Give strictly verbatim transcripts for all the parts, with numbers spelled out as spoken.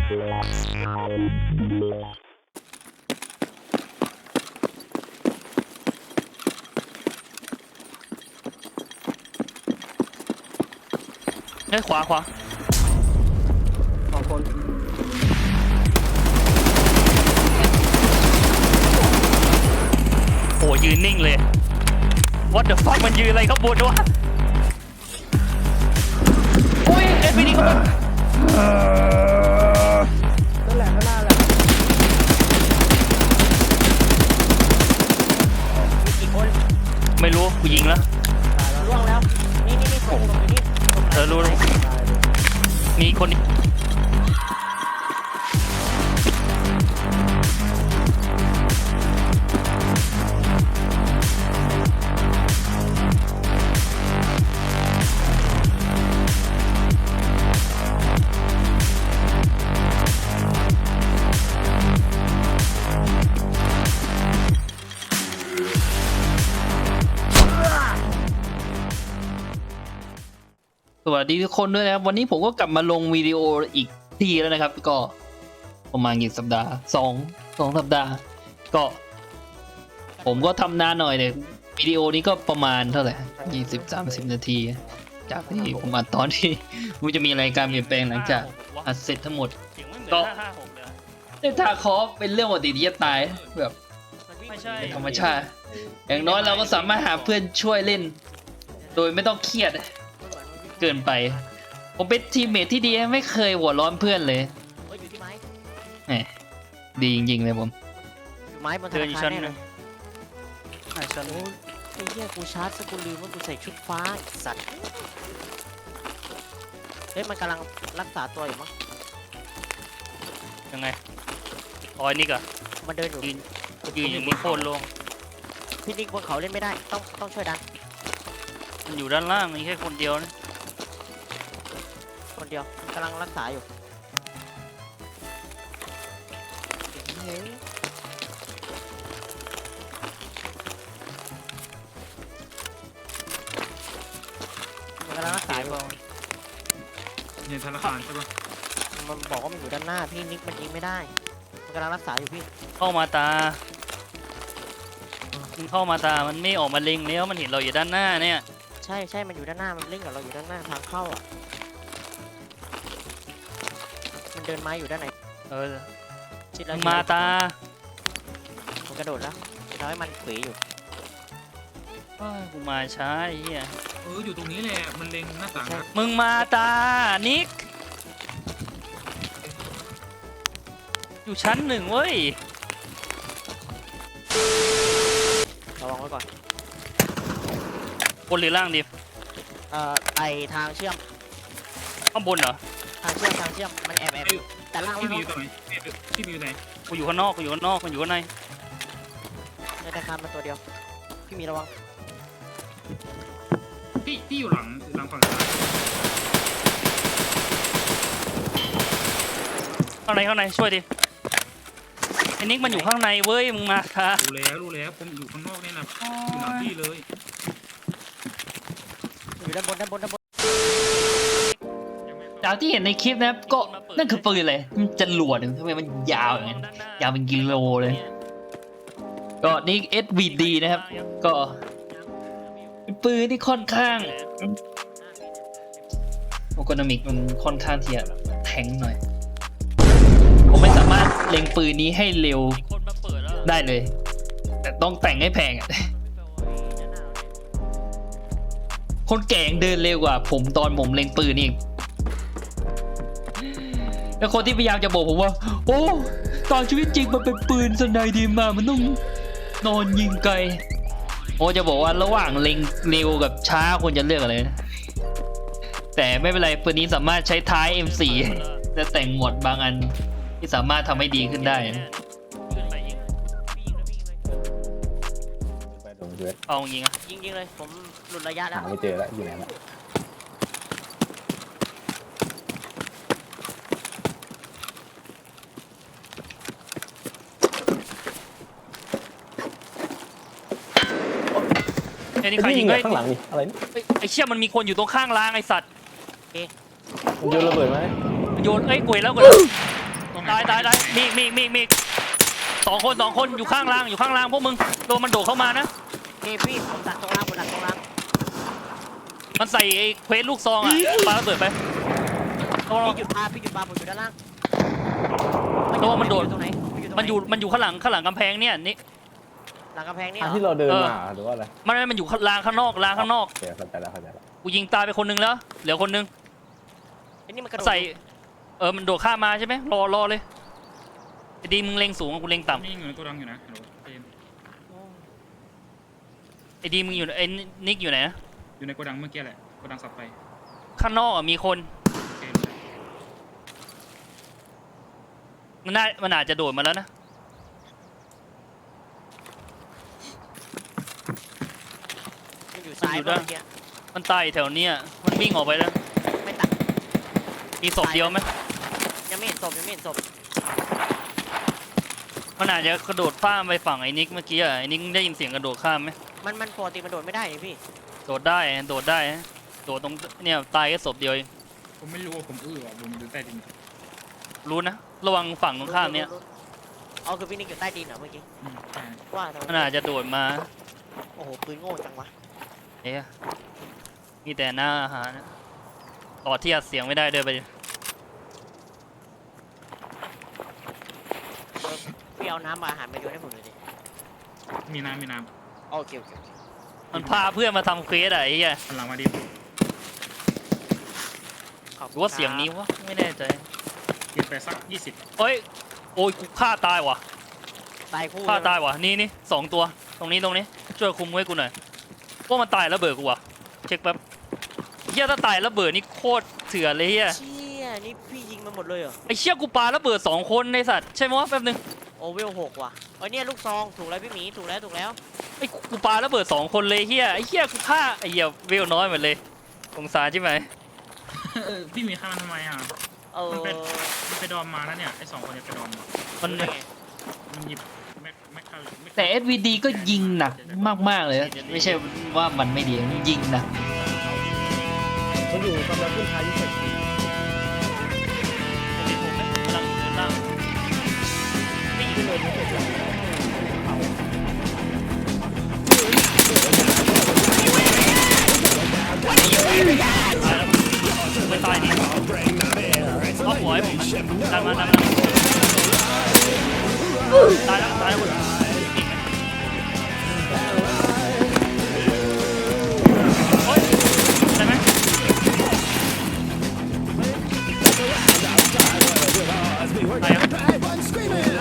เฮ้ยขวาขวาสองคนโอ้ยืนนิ่งเลย What the fuck มันยืนอะไรข้างบนวะโอ้ยเอ็นพีดีเข้ามานั่นแหละข้างหน้าแหละมีกี่คนไม่รู้กูยิงแล้วล่วงแล้วนี่นี่นี่คนอยู่นี่เออรู้มีคนสวัสดีทุกคนด้วยนะครับวันนี้ผมก็กลับมาลงวิดีโออีกทีแล้วนะครับก็ประมาณกี่สัปดาห์สองสองสัปดาห์ก็ผมก็ทำนานหน่อยเลยวิดีโอนี้ก็ประมาณเท่าไหร่ยี่สิบสามสิบนาทีจากที่ผมอัดตอนที่มันจะมีรายการเปลี่ยนแปลงหลังจากอัดเสร็จทั้งหมดก็ในทาคอฟเป็นเรื่องปกติที่จะตายแบบธรรมชาติอย่างน้อยเราก็สามารถหาเพื่อนช่วยเล่นโดยไม่ต้องเครียดเกินไปผมเป็นทีมเมทที่ดีไม่เคยหัวร้อนเพื่อนเลยแหมดีจริงๆเลยผมไม้บนธนาคารแน่เลยไอ้ชั้นโอ้ยไอ้เหี้ยกูชาร์จสกูลืมว่ากูใส่ชุดฟ้าสัตว์เฮ้ยมันกำลังรักษาตัวอยู่มั้งยังไงอ๋อนี่ก็มันเดินอยู่ยืนยืนอย่างนี้โคตรลงพี่นิกบนเขาเล่นไม่ได้ต้องต้องช่วยดันมันอยู่ด้านล่างมีแค่คนเดียวนะคนเดียวกำลังรักษาอยู่มันกำลังรักษาอยู่ในธนาคารใช่ปะมันบอกว่ามันอยู่ด้านหน้าพี่นิกมันยิงไม่ได้มันกำลังรักษาอยู่พี่เข้ามาตามันเข้ามาตามันไม่ออกมาเล็งแล้วมันเห็นเราอยู่ด้านหน้าเนี่ยใช่ใช่มันอยู่ด้านหน้ามันเล่นกับเราอยู่ด้านหน้าทางเข้าอ่ะมันเดินมาอยู่ด้านไหนเออชิดแล้วมาตามันกระโดดแล้วทำให้มันเขวอยู่กูมาช้าไอ้เหี้ยเอออยู่ตรงนี้แหละมันเล็งหน้าต่างมึงมาตานิกอยู่ชั้นหนึ่งเว้ยระวังไว้ก่อนบนหรือล่างดิเอ่อไอทางเชื่อมข้างบนเหรอทางเชื่อมทางเชื่อมมันแอบแอบแต่ล่างพี่มีอยู่ตรงไหนพี่มีอยู่ไหนกูอยู่ข้างนอกกูอยู่ข้างนอกกูอยู่ข้างในในธนาคารมาตัวเดียวพี่มีระวังพี่พี่อยู่หลังหลังฝั่งซ้ายข้างในข้างในช่วยดิไอ้นิกมันอยู่ข้างในเว้ยมึงมาค่ะรู้แล้วรู้แล้วผมอยู่ข้างนอกนี่นะอยู่หลังพี่เลยอยู่ด้านบนด้านบนด้านบนจากที่เห็นในคลิปนะก็นั่นคือปืนเลยมันจะหลวดทำไมมันยาวอย่างนั้นยาวเป็นกิโลเลยก็นี่ เอส วี ดี นะครับก็เป็นปืนที่ค่อนข้างโอโกนอมิกมันค่อนข้างที่จะแทงหน่อยผมไม่สามารถเล็งปืนนี้ให้เร็วได้เลยแต่ต้องแต่งให้แพงอ่ะคนแก่งเดินเร็วกว่าผมตอนผมเล็งปืนนี่แล้วคนที่พยายามจะบอกผมว่าโอ้ตอนชีวิตจริงมันเป็นปืนสไนดีมามันต้องนอนยิงไกลโอ้จะบอกว่าระหว่างเล็งเร็วกับช้าควรจะเลือกอะไรนะแต่ไม่เป็นไรปืนนี้สามารถใช้ท้าย เอ็ม โฟร์ จะแต่งหมวดบางอันที่สามารถทำให้ดีขึ้นได้เอายิงอ่ะยิงยิงเลยผมหลุดระยะแล้วไม่เจอแล้วอยู่ไหนละไอ้นี่ใครยิงไว้ข้างหลังนี่อะไรไอ้เชี่ยมันมีคนอยู่ตรงข้างรางไอ้สัตว์มันโยนระเบิดไหมโยนเอ้ยกวยแล้วกวยแล้วตายตายตายมีอีกมีอีกมีอีกมีอีกสองคนสองคนอยู่ข้างล่างอยู่ข้างล่างพวกมึงตัวมันโดดเข้ามานะโอเคพี่ผมดักตรงล่างผมดักตรงล่างมันใส่ไอ้เควสลูกซองอ่ะปาระเบิดไประวังพี่หยุดปลาพี่หยุดปลาผมอยู่ด้านล่างตัวมันโดดตรงไหนมันอยู่มันอยู่ข้างหลังข้างหลังกำแพงเนี่ยนี่หลังกำแพงนี่อันเหรที่อเราเดินเออมาหรือว่าอะไรมันมันอยู่ลางข้างนอกลางข้างนอกโอเคเข้าใจแล้วเข้าใจแล้วกูยิงตายไปคนนึงแล้วเหลือคนนึงไอ้นี่มันกระโดดใส่เออมันโดดข้ามมาใช่ไหมรอรอเลยไอ้ดีมึงเล็งสูงกูเล็งต่ำนี่อยู่ในตัวดังอยู่นะฮัลโหลเจมไอ้ดีมึงอยู่ไอ้นิกอยู่ไหนนะอยู่ในโกดังเมื่อกี้แหละโกดังสับไปข้างนอกอ่ะมีคนโอเคมันน่ามันอาจจะโดดมาแล้วนะมันอยู่ซ้ายมันอยู่เมื่ด้านอกี้มันตายแถวเนี้ยมันวิ่งออกไปแล้วไม่ตัดมีศพเดียวไหมยังไม่เห็นศพยังไม่เห็นศพมันอาจจะกระโดดข้ามไปฝั่งไอ้นิกเมื่อกี้อ่ะไอ้นิกได้ยินเสียงกระโดดข้ามไหมมันมันปกติมันโดดไม่ได้นี่พี่โดดได้โดดได้โดดตรงเนี่ยตายแค่ศพเดียวเองผมไม่รู้ว่าผมอื้อว่ะผมดูใต้ดินรู้นะระวังฝั่งตรงข้ามเนี่ยอ๋อคือพี่นิกอยู่ใต้ดินเหรอเมื่อกี้อืมใช่ว่าทำไมมันอาจจะโดดมาโอ้โหปืนโง่จังวะเอ๊ะมีแต่หน้าอาหารนะต่อที่อัดเสียงไม่ได้เดินไปดิเออพี่เอาน้ำมาอาหารมาโยนให้ผมหน่อยดิมีน้ำมีน้โอเคโอเคโอเคมันพาเพื่อนมาทำเควสอะไอ้เหี้ยำหันหลังมาดิขอบหคุรืณอว่าเสียงนี้วะไม่แน่ใจเก็บไปสักยี่สิบเฮ้ยโอ้ยกูฆ่าตายว่ะตายคู่ฆ่าตายว่ะนี่นี่สองตัวตรงนี้ตรงนี้ช่วยคุมไว้กูหน่อยว่ามันตายแล้วเบิดกูว่ะเช็คแป๊บเหี้ยถ้าตายแล้วเบิดนี่โคตรเถื่อนเลยเหี้ยเชี่ยนี่พี่ยิงมันหมดเลยเหรอไอ้เชี่ยกูปาแล้วเบิดสองคนในสัตว์ใช่ไหมวะแป๊บนึงโอเวลหกว่ะเอ้ยเนี่ยลูกซองถูกแล้วพี่หมีถูกแล้วถูกแล้วไอ้กูปาแล้วเบิดสองคนเลยเหี้ยไอ้เหี้ยกูฆ่าไอ้เหี้ยเวลน้อยหมดเลยสงสารใช่ไหมเออพี่มีข้ามันทำไมอ่ะเออมันเป็น มันไปดอมมาแล้วเนี่ยไอ้สองคนเนี่ยไปดอมมามันรู้ได้ไงมันหยิบแม็กแม็กคาแม็กแต่ เอส วี ดี ก็ยิงหนักมากๆเลยนะไม่ใช่ว่ามันไม่ดีมันยิงหนักมันอยู่กำลังขึ้นท้ายที่สุดผมไม่กำลังเดินล่างไม่ยิงเลยไม่ตายดิเอาหัวให้ผมตามมาตามมาตายแล้วตายแล้วโอ๊ยได้ไหมตายแล้ว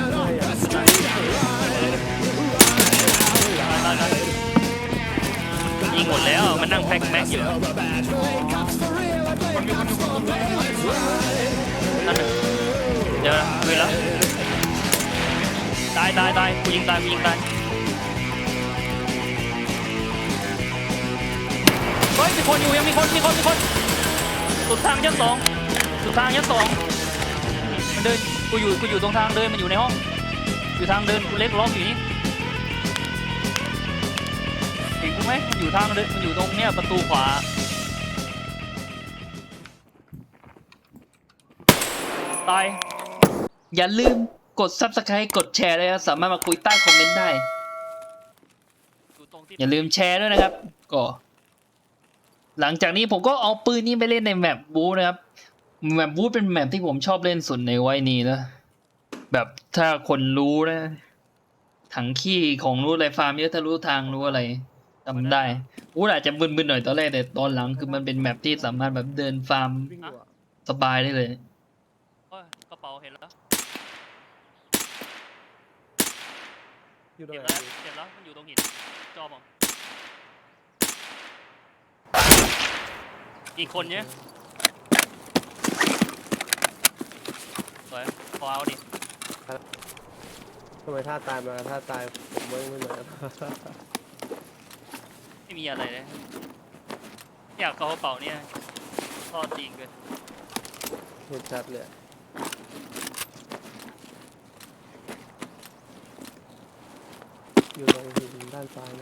ยิงหมดแล้วมันนั่งแพ็คแม็กอยู่นั่นน่ะเดี๋ยวคุยแล้วตายตายตายกูยิงตายกูยิงตายเฮ้ยมีคนอยู่ยังมีคนมีคนมีคนสุดทางชั้นสองสุดทางชั้นสองมันเดินกูอยู่กูอยู่ตรงทางเดินมันอยู่ในห้องอยู่ทางเดินกูเล็กล็อกอยู่นี่เห็นกูไหมมันอยู่ทางเดินมันอยู่ตรงเนี้ยประตูขวาตายอย่าลืมกด ซับสไครบ์ กดแชร์เลยครับสามารถมาคุยใต้คอมเมนต์ได้อย่าลืมแชร์ด้วยนะครับก็หลังจากนี้ผมก็เอาปืนนี้ไปเล่นในแมปบู๊นะครับแมปบู๊เป็นแมปที่ผมชอบเล่นสุดในวัยนี้นะแบบถ้าคนรู้นะถังขี้ของรู้อะไรฟาร์มเยอะถ้ารู้ทางรู้อะไรจำได้อู้อาจจะมึนๆหน่อยตอนแรกแต่ตอนหลังคือมันเป็นแมปที่สามารถแบบเดินฟาร์มวิ่งอยู่อะสบายได้เลยกระเป๋าเห็นแล้วอยู่ตรงเก็บไหนแล้วเก็บแล้วมันอยู่ตรงหินจอมอีกคนเนี้ยสวยพอเอาดิทำไมท่าตายมาท่าตายผมไม่ไม่เหมือนกันไม่มีอะไรเลยอยากเข้ากระเป๋าเนี่ยทอดจริงเลยเห็นชัดเลยอะอยู่ตรงหินด้านซ้ายเนี่ย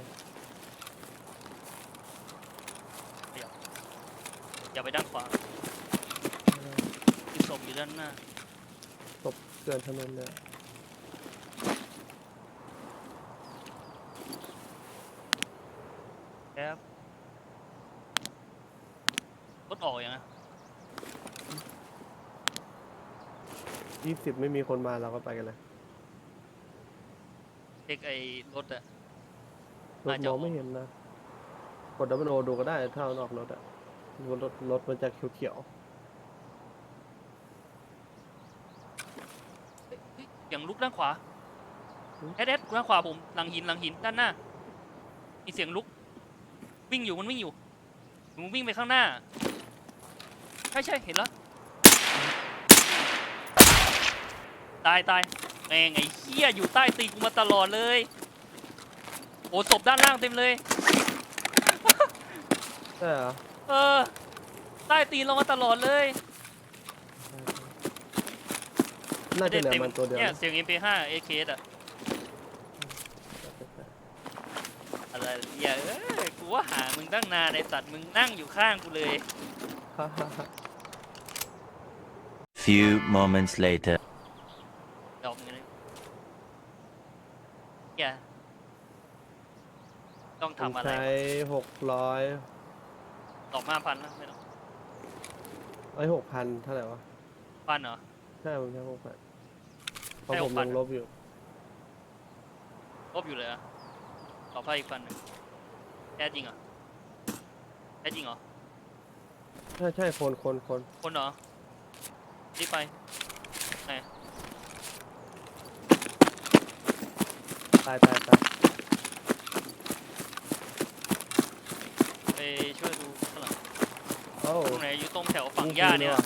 อย่าไปด้านขวาคือศพอยู่ด้านหน้าศพเกินถนนเลยครับรถออกยังไงยี่สิบไม่มีคนมาเราก็ไปกันเลยเช็คไอ้รถอะรถน่าจะมอออง กไม่เห็นนะกดดับเบิลโอดูก็ได้ถ้ามันออกรถอะรถรถมันจะเขียวเฮ้ยเฮ้ยอย่างลุกด้านขวาเอสเอสด้านขวาผมหลังหินหลังหินด้านหน้ามีเสียงลุกวิ่งอยู่มันวิ่งอยู่มันวิ่งไปข้างหน้าใช่ใช่เห็นแล้วตายตายแม่งไอ้เหี้ยอยู่ใต้ตีนกูมาตลอดเลยโอ้ศพด้านล่างเต็มเลยๆใช่เหรอเออใต้ตีนเรามาตลอดเลยน่าจะเหลือมันตัวเดียวเนี่ยนะเสียง เอ็ม พี ห้า เอ เค อะอะไรเหี้ยเอ้ยกูว่าหามึงตั้งนานไอ้สัตว์มึงนั่งอยู่ข้างกูเลย Few moments later. ดอกเงินเลยเหี้ยต้องผมทำอะไรใช้หกร้อยดอกห้าพันนะไม่ต้องไอ้หกพันเท่าไหร่วะพันเหรอใช่ผมใช้หกพันเพราะใช่ผมหกพัยันงลบอยู่ลบอยู่เลยเหรอะขอไพ่อีกพันหนึ่งแท้จริงเหรอแท้จริงเหรอใช่ใช่คนคนคนคนเหรอรีบไปไหนตายตายตายไปช่วยดูข้างหลังโอ้ตรงไหนอยู่ตรงแถวฝั่งหญ้าเนี่ย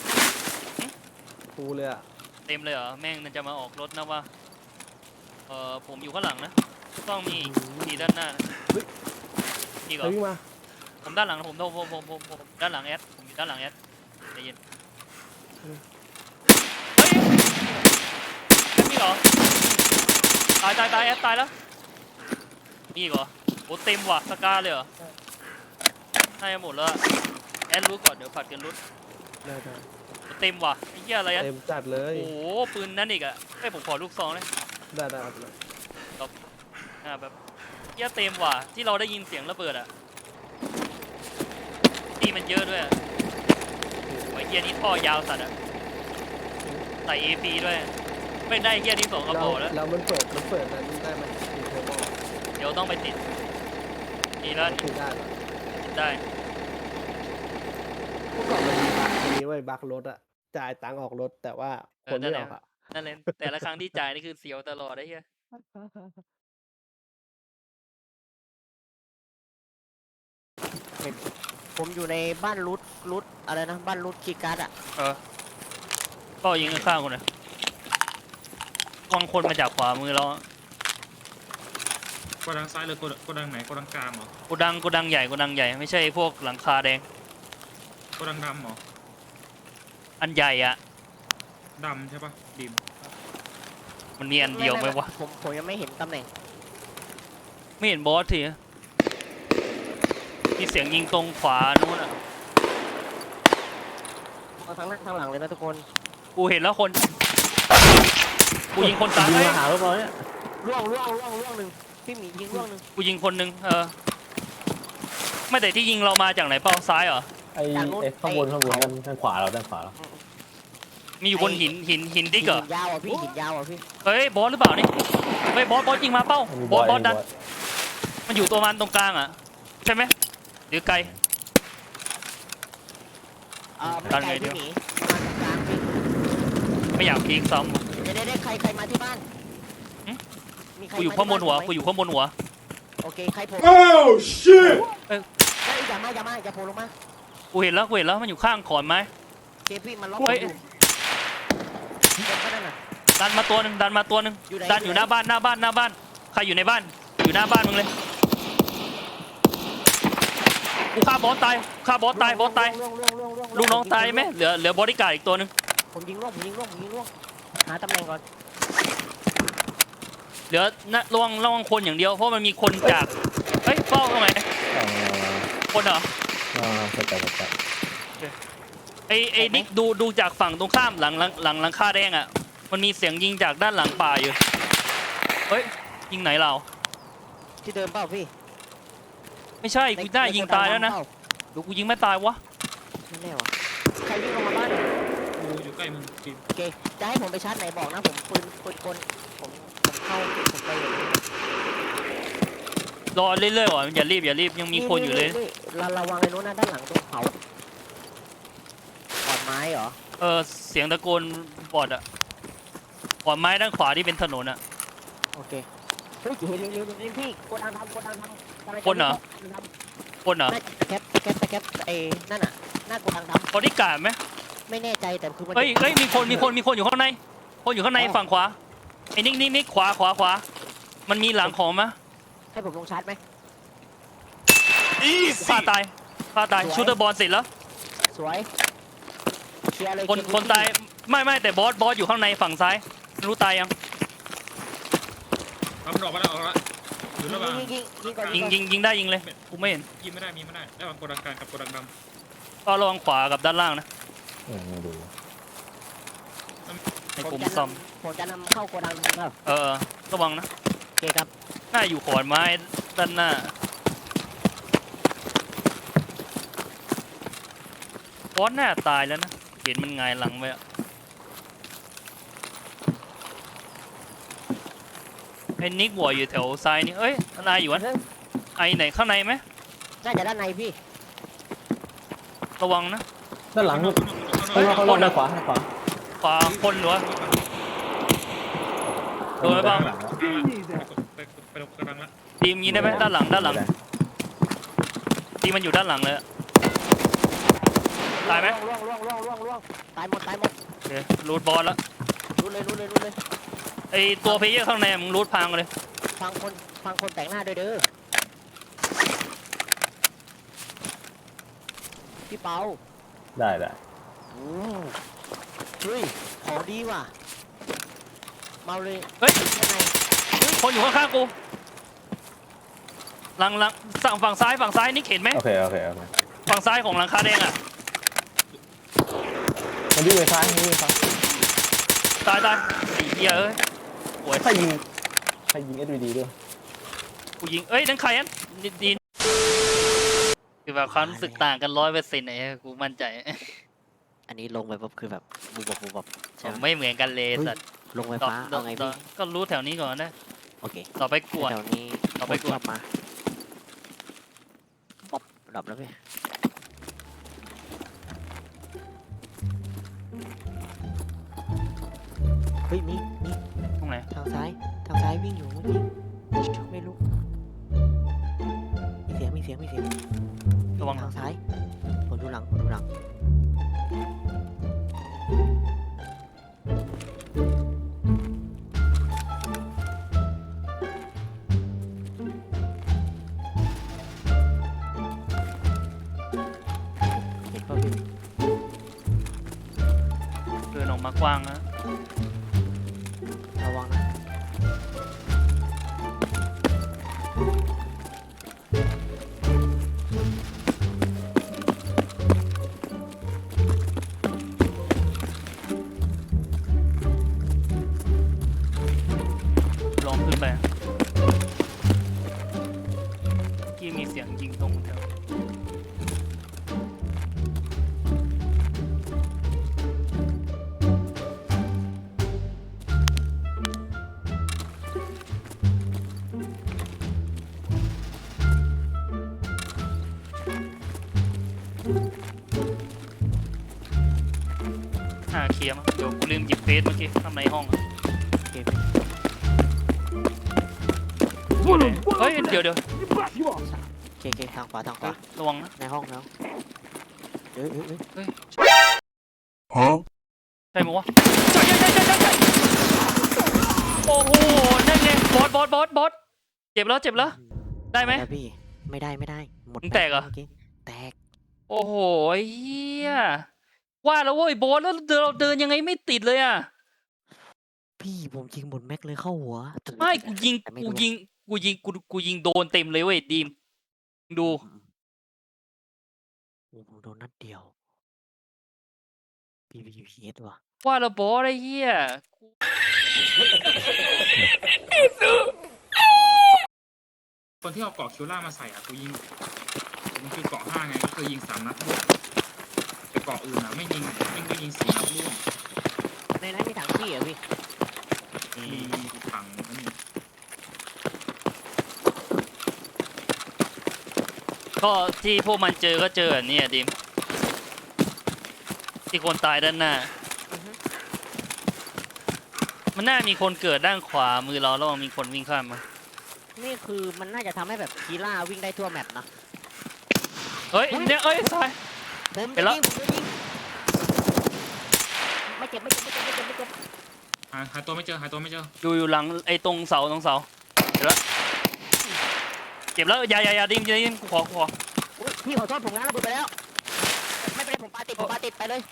ฟูเลยอะเต็มเลยเหรอแม่งมันจะมาออกรถนะว่าเออผมอยู่ข้างหลังนะต้องมีมีด้านหน้านะมีใคก่รอนวิ่งมาผมด้านหลังนะผมผมผมผมผมผมด้านหลังแอดผมอยู่ด้านหลังแอดใจเย็นเฮ้ยแอดมีเหรอตายตายตายแอดตายแล้วมีอีกเหรอโอ้เต็มว่ะสกาเลยเหรอให้หมดแล้วอะแอดรู้ก่อนเดี๋ยวผัดกันรุดได้ได้เต็มว่ะไอ้เหี้ยอะไรอะเต็มจัดเลยโอ้โหปืนนั่นอีกอะให้ยผมขอลูกซองเลยได้ได้ครับเลยอ่าแบบเหี้ยเต็มว่ะที่เราได้ยินเสียงระเบิดอะที่มันเยอะด้วยอะไอ้เหี้ยนี่ท่อยาวสัตว์อะใส่ เอ พี ด้วยไม่ได้เหี้ยนี่สองกระแล้วบอกแล้วแล้วมันเปิดมันเปิดนั้นได้ไหมมีเทอร์โบเดี๋ยวต้องไปติดนี่แล้วคือได้เหรอได้เมื่อก่อนมันมีบั๊กอันนี้ไว้ยบั๊กรถอะจ่ายตังค์ออกรถแต่ว่าคนไม่ออกอะนั่นเลยแต่ละครั้งที่จ่ายนี่คือเสียวตลอดไอ้เหี้ยผมอยู่ในบ้านรุดรุดอะไรนะบ้านรุดคีย์การ์ดอะเออก็ยิงข้างๆกูหน่อยวางคนมาจากขวามือเราอะกดดังซ้ายหรือกดกดดังไหนกดดังกลางเหรอกูดังกูดังใหญ่กูดังใหญ่ไม่ใช่พวกหลังคาแดงกดดังดำเหรออันใหญ่อะดำใช่ปะดิมมันมีอันเดียวไหมวะผมผมยังไม่เห็นตำแหน่งไม่เห็นบอสทีมีเสียงยิงตรงขวานู้นอ่ะมาทั้งหน้าทั้งหลังเลยนะทุกคนกูเห็นแล้วคน กูยิงคนตายยิงเอ้ยมาหาเราเนี่ยร่วงร่วงร่วงร่วงหนึ่งพี่หมียิงร่วงหนึ่งกูยิงคนหนึงเออ ไม่แต่ที่ยิงเรามาจากไหนเป้าซ้ายเหรอไอ้ไอ้ข้างบนข้างบนด้านด้านขวาเราด้านขวาเรามีอยู่บนหินหินหินดิกเหรอหินยาวอ่ะพี่หินยาวอ่ะพี่เฮ้ยบอสหรือเปล่านี่เฮ้ยบอสบอสยิงมาเป้ามีบบ ออสสบอสมีดันบอสมันอยู่ตัวมันตรงกลางอ่ะใช่ไหมหรือไกลเออไม่ดันไกลไงเดี๋พี่ยวหมีมาตรงกลางพี่ไม่อยากพีกซ้ำว่ะเดี๋ยวได้ใครใครมาที่บ้านหึมีใครกูอยู่มข้างบนหัวที่กูอยู่ข้างบนหัวโอเคใครโผล่ Oh shit! เฮ้ยอย่ามาอย่ามาอย่าโผล่ลงมากูเห็นแล้วกูเห็นแล้วมันอยู่ข้างขอนไม้เคพี่มันล็อกเฮ้ยอยู่เดินไปนั่นน่ะดันมาตัวหนึ่งดันมาตัวหนึ่งอยู่ไหนดันอยู่หน้าบ้านหน้าบ้านหน้าบ้านใครอยู่ในบ้าน อยู่หน้าบ้านมึงเลยกูฆ่าบอสตายฆ่าบอสตายบอสตายร่วงร่วงร่วงร่วงร่วลูกน้องตายไหมเหลือเหลือบอดี้การ์ดอีกตัวหนึ่งผมยิงร่วงผมยิงร่วงผมยิงร่วงหาตำแหน่งก่อนเหลือนะระวังระวังคนอย่างเดียวเพราะมันมีคนจากเฮ้ยเป้าตรงไหนอ่าคนเหรออ่าเข้าใจเข้าใจไอไอนิกดูดูจากฝั่งตรงข้ามหลังหลังหลังหลังคาแดงอ่ะมันมีเสียงยิงจากด้านหลังป่าอยู่เฮ้ยยิงไหนเราที่เดิมเปล่าพี่ไม่ใช่กูได้ยิงตายแล้วนะดูกูยิงไม่ตายวะไม่แน่วะใครวิ่งลงมาบ้านกูอยู่ใกล้มึงดิมโอเคจะให้ผมไปชาร์จไหนบอกนะผมปืนปืนกลผมผมเข้าผมไปอยู่รอเรื่อยๆว่ะอย่ารีบอย่ารีบยังมีคนอยู่เลยเราระวังไอ้นู้นนะด้านหลังตรงเขาขอนไม้เหรอเออเสียงตะโกนบอดอะขอนไม้ด้านขวาที่เป็นถนนอะโอเคเฮ้ยเห็นเร็วเร็วเร็วพี่กดดันทำกดดันทำคนเหรอ คนเหรอน่าจะตะแคปตะแคปตะแคปเอนั่นน่ะหน้ากดดันทบอดี้การ์ดไหมำไม่แน่ใจแต่คือมันเฮ้ยเฮ้ยมีคนมีคนมีคนอยู่ข้างในคนอยู่ข้างในฝั่งขวาไอ้นิกนิกนิกขวาขวาขวามันมีหลังของมะให้ผมลงชาร์จไหมฆ่าตายฆ่าตายชูเตอร์บอลเสร็จแล้วสวยเคลียร์เลยคนคนตายไม่ไม่แต่บอสบอสอยู่ข้างในฝั่งซ้ายไม่รู้ตายยังเอามันออกมาแล้วออกมาแล้วอยู่ระหว่างยิงยิงยิงก่อนยิงยิงยิงได้ยิงเลยกูไม่เห็นยิงไม่ได้มีไม่ได้ระหว่างโกดังกลางกับโกดังดก็ระวังขวากับด้านล่างนะเออไม่ดูให้ผผมมจะซ่อมนำผมจะนำเข้าโกดังครับเออระวังนะโอเคครับน่าอยู่ขอนไม้ด้านหน้าบอสน่าตายแล้วนะเห็นมันหงายหลังไปอะไอ้นิกหัวอยู่แถวซ้ายนี่เอ้ยนายอยู่วะไอไหนข้างในไหมน่าจะด้านในพี่ระวังนะด้านหลังำลูกเฮ้ยข้างนอกข้างนอกด้านขวาด้านขวาขวาคนหรือวะ โดนไหมบ้างด้นหลัแล้วไปไปลงโกดังละทีมยิงได้ไหมด้านหลังด้านหลังทีมมันอยู่ด้านหลังเลยอะตายไหมล่วงล่วงล่วงล่วงล่วงตายหมดตายหมดโอเครูดบอลละรู้เลยรู้เลยรู้เลยไอตัวเพลเยอร์ข้างในมึงรูดพังเลยฟังคนฟังคนแต่งหน้าด้วยเด้อพี่เปาได้ได้โอ้เฮ้ยของดีว่ะเมาเลยเฮ้ยข้างในคนอยู่ข้างๆกูหลังหลังสั่งฝั่งซ้ายฝั่งซ้ายนี่เห็นไหมโอเคโอเคโอเคฝั่งซ้ายของหลังคาแดงอ่ะมันวิ่งไปซ้ายมันวิ่งไปซ้ายตายตายไอ้เหี้ยเอ้ยโวยใครยิงใครยิงเอสวีดีด้วยกูยิงเอ้ยนั่นใครอ่ะดีดีคือแบบความรู้สึกต่างกันร้อยเปอร์เซ็นต์ไหนกูมั่นใจอันนี้ลงไปปุ๊บคือแบบบูบบูบใช่ไหมไม่เหมือนกันเลยสัตว์ลงไฟต่อฟ้าต่อเอาไงต่อพี่ก็รู้แถวนี้ก่อนนะโอเคต่อไปกวดแถวนี้เอาไปกดชอบมาป๊อบดับแล้วพี่เฮ้ยมีมีตรงไหนทางซ้ายทางซ้ายวิ่งอยู่เมื่อกี้ไม่รู้มีเสียงมีเสียงมีเสียงระวังทางซ้ายผมดูหลังผมดูหลังเห็นเปล่าพี่เดินออกมากว้างนะระวังนะลองขึ้นไปเมื่อกี้มีเสียงยิงตรงแถวอ่าเคลียร์มั้งเดี๋ยวกูลืมหยิบเฟซเมื่อกี้ข้างในห้องอะเกมพี่เฮ้ยเดี๋ยวเดี๋ยวเคเคทางขวาทางขวาระวังนะในห้องแล้วเอ้ยเอ้ยเอ้ยใช่ไหมวะใช่ใช่ใช่ใช่ใช่โอ้โหนั่นไงบอสบอสบอสบอสเจ็บแล้วเจ็บแล้วได้ไหมแล้วพี่ไม่ได้ไม่ได้หมดมึงแตกเหรอมื่กี้แตกโอ้โหเฮียว่าแล้วเว้ยบอสแล้วเราเดินยังไงไม่ติดเลยอ่ะพี่ผมยิงหมดแม็กเลยเข้าหัวไม่กูยิงแต่ไม่กูโดนยิงกูยิงกูกูยิงโดนเต็มเลยเว้ยดีมดูโอ้ผมโดนนัดเดียว พี พี พี เอส ว่ะว่าแล้วบอสไอ้เหี้ยกูคนที่เอาเกาะคิวล่ามาใส่อ่ะกูยิงมันคือเกาะห้าไงก็คือยิงสามนัดร่วงแต่เกาะอื่นอ่ะไม่ยิงไม่ก็ยิงสี่นัดร่วงในนั้นมีถังขี้เหรอพี่มีถังอันนี้ก็ที่พวกมันเจอก็เจออันนี้อะดิมที่คนตายด้านหน้า มันน่ามีคนเกิดด้านขวามือเราแล้วมีคนวิ่งข้ามมานี่คือมันน่าจะทำให้แบบคีล่าวิ่งได้ทั่วแมปนะเฮ้ยเนี่ยเอ้ยซายผมเห็จะนแล้วยิงผมจะยิงไม่เจ็บไม่เจ็บไม่เจ็บไม่เจ็บไม่เจ็บหาหาตัวไม่เจอหาตัวไม่เจออยู่อยู่หลังไอ้ตรงเสาตรงเสาเห็นแล้วเจ็บแล้วอย่าอย่าอย่าดิมอย่าดิมกูขอกูขออุ๊ยพี่ขอโทษผมนะระเบิดไปแล้วไม่เป็นไรผมปาติดผมปาติดไปเลย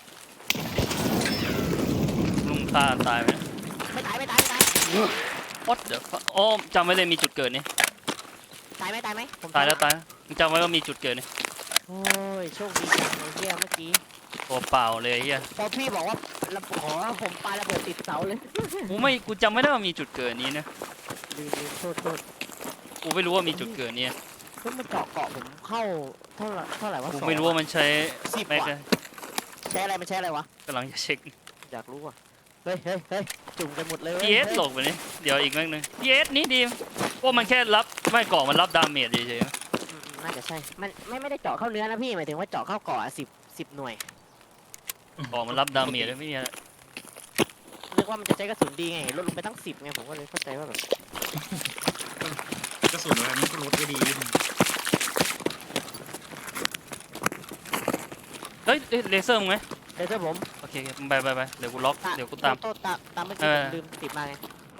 ลุงฆ่าตายไหมไม่ตายไม่ตายไม่ตาย What the fuck โอ้จำไว้เลยมีจุดเกิดนี่ตายไหมตายไหมผมตายแล้วตายมึงจำไว้ว่ามีจุดเกิดนี่โอ้ยโชคดีจังเลยเฮียเมื่อกี้ตัวเปล่าเลยไอ้เฮียพอพี่บอกว่าระขอผมปาระเบิดติดเสาเลยกูไม่กูจำไม่ได้ว่ามีจุดเกิดนี้นะลืมลืมโทษโทษกูไม่รู้ว่ามีจุดเกิดนี้เพิ่งมาเจาะเกาะผมเข้าเท่าไหร่เท่าไหร่วะกูสองไม่รู้ว่ามันใช้สิบแม็กว่ะใช้อะไรมันใช้อะไรวะกำลังจะเช็คอยากรู้อ่ะเฮ้ยเฮ้ยเฮ้ยจุ่มกันหมดเลยว้พีเอสฮ้ยหลบไปนี่เดี๋ยวอีกแม็กนึงพีเอสนี่ดีพวกมันแค่รับไม่ก่อมันรับดาเมจเฉยอืมน่าจะใช่ มันไม่ไม่ได้เจาะเข้าเนื้อนะพี่หมายถึงว่าเจาะเข้าเกาะสิบสิบหน่วยๆก่อมันรับดาเมจแล้วไม่มีอะไรนึกว่ามันจะใช้กระสุนดีไงลดลงไปตั้งสิบไงผมก็เลยเข้าใจว่าแบบกระสุนอะไรมันก็ลดได้ดีเฮ้ยเอ้ยเลเซอร์มึงไหมเดี๋ยวเจอผมโอเคโอเคไปไปไปเดี๋ยวกูล็อกเดี๋ยวกูตามโทษตามตามเมื่อกี้เอผอมลืมติดมาไง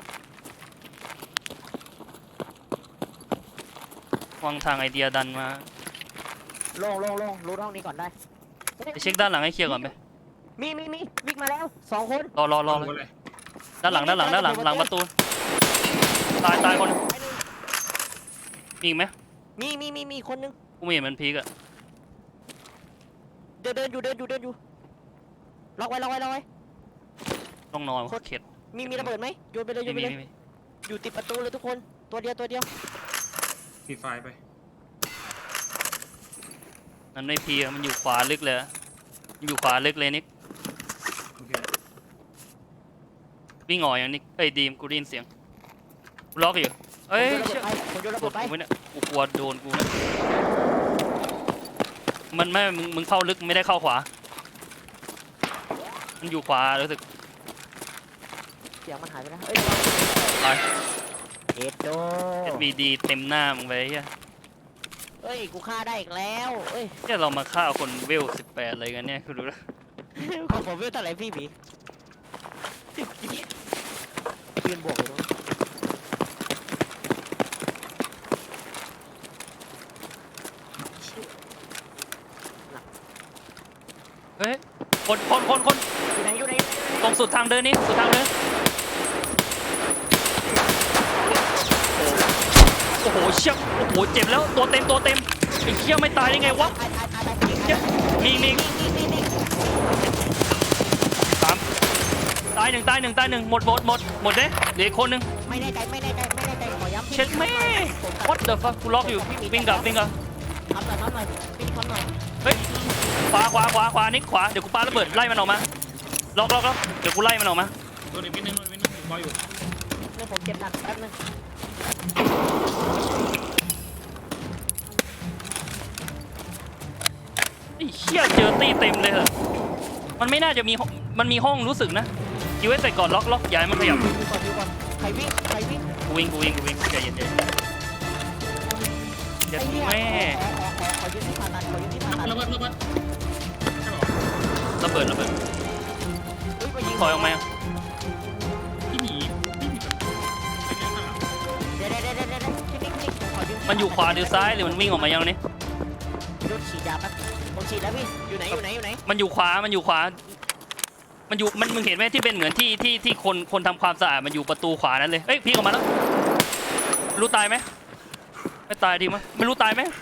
วางทางไอเดียดันมาโล่งโล่งโล่งรู้ห้องนี้ก่อนได้ไปเช็คด้านหลังให้เคลียร์ก่อนไปมีมีมีวิ่งมาแล้วสองคนรอรอรอเอาเลยเลยด้านหลังด้านหลังด้านหลังหลังประตูตายตายคนหนึ่งไปหนึ่งมีอีกไหมมีมีมีมีคนนึงกูไม่เห็นมันพีกอะเดินเดินอยู่เดินอยู่เดินอยู่ล็อกไว้ล็อกไว้ล็อกไว้ต้องนอนเข็ดมีมีระเบิดไหมโยนไปเลยโยไม่นไปมีเลยไม่มีอยู่ติดประตูเลยทุกคนตัวเดียวตัวเดียวฟีไฟไปมันไม่พีอะมันอยู่ขวาลึกเลยอะมันอยู่ขวาลึกเลยนิกโอเควิ่งออกอย่างนิกเอ้ยดีมกูได้ยินเสียงกูล็อกอยู่เอ้ยผมโยนระกเบิดดไปกูไม่เนี่ยกูกลัวโดนกูนะมันไม่มึงมึงเข้าลึกไม่ได้เข้าขวา มันอยู่ขวารู้สึกเสียงมันหายไปแล้วเอ้ยตายเอ็ดโดเอสบีดีเต็มหน้ามึงไปเฮียเอ้ยกูฆ่าได้อีกแล้วเอ้ยเนี่ยเรามาฆ่าคนเวลสิบแปดอะไรกันเนี่ยคุณดูนะของผมเวลเท่าไหร่พี่หมียืนบวกอยู่ตรงนั้นเฮ้ยคนคนคนคนอยู่ไหนอยู่ไหนตรงสุดทางเดินนี่สุดทางเดินโอ้โหเชี่ยโอ้โหเจ็บแล้วตัวเต็มตัวเต็มไอ้เชี่ยไม่ตายได้ไงวะตายตายตายตายตายเชี่ยมีมีนี่นี่นี่สามตายหนึ่งตายหนึ่งตายหนึ่งหมดหมดหมดหมดเด้เหลืออีกคนหนึ่งไม่แน่ใจไม่แน่ใจไม่แน่ใจขอย้ำเช็ดแม่ what the fuck กูล็อกอยู่วิ่งกลับวิ่งกลับทำหน่อยทำหน่อยปิ้งทำหน่อยเฮ้ยขวาขวาขวาขวานิกขวาเดี๋ยวกูปาระเบิดไล่มันออกมาล็อกล็อกล็อกเดี๋ยวกูไล่มันออกมาโดนอีกนิดนึงโดนอีกนิดนึงบอยอยู่เดี๋ยวผมเก็บหนักแป๊บนึงไอ้เชี่ยเจอตีเต็มเลยเหรอมันไม่น่าจะมีห้องมันมีห้องรู้สึกนะคิวไว้ใส่ก่อนล็อกล็อกอย่าให้มันขยับดูก่อนดูก่อนใครวิ่งใครวิ่งกูวิ่งกูวิ่งกูวิ่งใจเย็นใจเย็นเจ็ดแม่ขอขอขอขอยืนที่ผ่าตัดขอยืนที่ผ่าตัดระเบิดระเบิดใช่หรอระเบิดระเบิดเฮ้ยไปยิงถอยออกมาพี่หมีพี่หมีแบบไม่ได้ข้างหลังเดี๋ยวเดี๋ยวเดี๋ยวเดี๋ยวที่นี่ที่นี่ขอยืนที่มันอยู่ขวาหรือซ้ายหรือมันวิ่งออกมายังนี่โดนฉีดยาแป๊บผมฉีดแล้วพี่อยู่ไหนอยู่ไหนอยู่ไหนมันอยู่ขวามันอยู่ขวามันอยู่มันมึงเห็นไหมที่เป็นเหมือนที่ที่ที่คนคนทำความสะอาดมันอยู่ประตูขวานั้นเลยเฮ้ยพี่ออกมาแล้วรู้ตายไหมไม่ตายดีมั้ยไม่รู้ตายไหม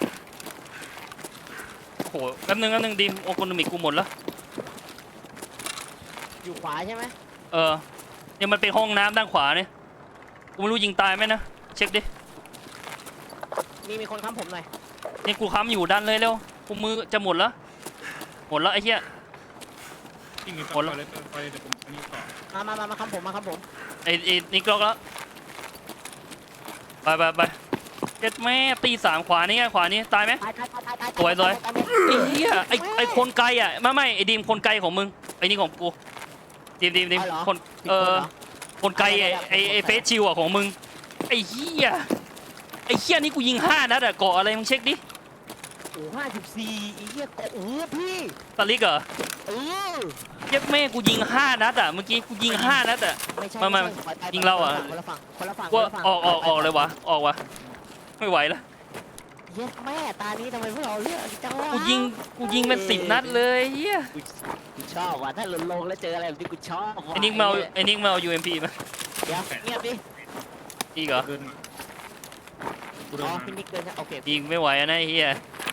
โอ้โหแป๊บนึงแป๊บนึงดีโอโคโนมิกกูหมดแล้วอยู่ขวาใช่ไหมเออเนี่ยมันเป็นห้องน้ำด้านขวาเนี่ยกูไม่รู้ยิงตายไหมนะเช็คดิมีมีคนค้ำผมหน่อยนี่กูค้ำอยู่ดันเลยเร็วกูมือจะหมดแล้วหมดแล้วไอ้เหี้ยที่มีหมดแล้วเลยไปเลยเดี๋ยวผมอันนี้ต่อมามามามาค้ำผมมาค้ำผมไอ้ไอ้นี่กล็อกแล้วไปไปไปเจ็ดแม่ตีสามขวานี่ไงขวานี้ตายไหมตายตายตายตายตายสวยสวยตาตาไอ้เหี้ยไอ้ไอ้คนไกลอ่ะไม่ไม่ไอ้ดีมคนไกลของมึงไอ้นี่ของกูดีมดีมดีมาหรอคนผิดเอคนอหรคนไกลไอ้ไอ้ไอ้เฟสชิวอ่ะของมึงไอ้เหี้ยไอ้เหี้ยนี่กูยิงห้านัดอ่ะเกาะอะไรมึงเช็คดิโอ้ห้าสิบสี่อีเหี้ยเกาะโอ้พี่ตะลิกเหรอเออเย็บแม่กูยิงห้านัดอ่ะเมื่อกี้กูยิงห้านัดอ่ะไม่ใช่ไม่ไม่ใช่ปล่อยไปยิงเราอะคนละฝั่งคนละฝั่งกูคนละฝั่งออกออกออกเลยวะออกวะไม่ไหวแล้วเย็ดแม่ตานี้ทำไมพวกเราเลือกจังวะกูยิงกูยิงเป็นสิบนัดเลยเฮียกูชอบว่ะถ้าหล่นลงแล้วเจออะไรแบบนี้กูชอบว่ะไอ้นิกเมาไอ้นิกเมายูเอ็มพีมาเดี๋ยวเงียบดิอีกเหรอเดินมากูเดิอ๋นอมาพี่นิกเดินนะโอเคยิงไม่ไหวอะนะไอ้เฮีย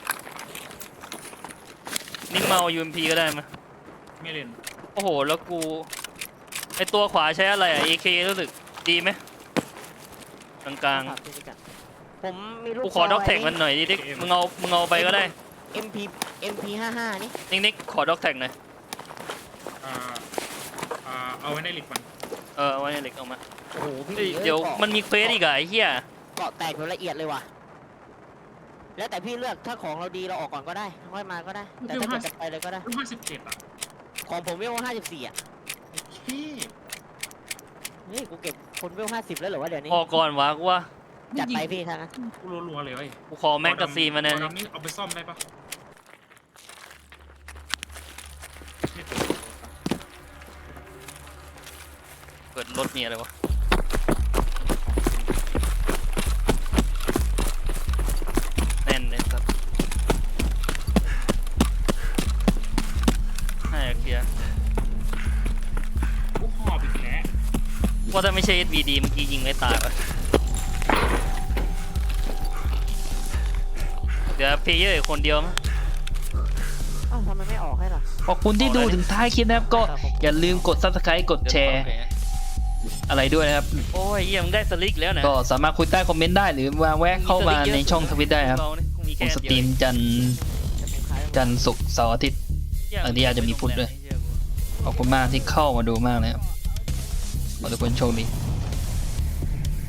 นิกเมายูเอ็มพีก็ได้มาไม่เล่นโอ้โหแล้วกูไอตัวขวาใช้อะไรอ่ะ เอ เค รู้สึกดีไหมกลางครับพี่นิกอะผมมีลูๆกกูขอด็อกแท็กมันหน่อยดิดิมึงเอามึงเอาไปก็ได้เอ็มพีเอ็มพีห้าห้านี่นิกนิกขอด็อกแท็กหน่อยอ่าอ่าเอาไว้ในหลิกมันเออเอาไว้ในเหล็กเอามาโอ้โหพี่เอ้ยอ้เดี๋ยวกาะมันมีเควสอีกอะไอ้เหี้ยเกาะแตกโดยละเอียดเลยว่ะแล้วแต่พี่เลือกถ้าของเราดีเราออกก่อนก็ได้ค่อยมาก็ได้ แต่ถ้าเกิดจะไปเลยก็ได้รุ่นห้าสิบเจ็ดอ่ะของผมเวลห้าสิบสี่อ่ะเฮ้ยนี่กูเก็บคนเวลห้าสิบแล้วเหรอวะเดี๋ยวนี้พอก่อนวะกูว่าจัดไปพี่ท่านะกูรัวๆเลยเว้ยกูขอแม็กกาซีนมาเนี่ยเอาดำนี่เอาไปซ่อมได้ปะไม่เปิดเปิดรถมีอะไรวะแน่นเลยครับให้เคลียร์กูหอบอีกแล้วว่าถ้าไม่ใช่ เอส วี ดี เมื่อกี้ยิงไม่ตายวะเดี๋ยวเพลเยอร์อีกคนเดียวมั้งอ้าวทำไมไม่ออกให้ล่ะขอบคุณที่ดูถึงท้ายคลิปนะครับก็อย่าลืมกด ซับสไครบ์ กดแชร์อะไรด้วยนะครับ โอ้ยเยี่ยมได้สลิกแล้วนะก็สามารถคุยใต้คอมเมนต์ได้หรือมาแวะเข้ามาในช่องทวิตได้ครับผมสตรีมจันทร์จะผมขายจันทร์ศุกร์เสาร์อาทิตย์บางทีอาจจะมีพุธด้วย ขอบคุณมากที่เข้ามาดูมากเลยครับขอให้ทุกคนโชคดี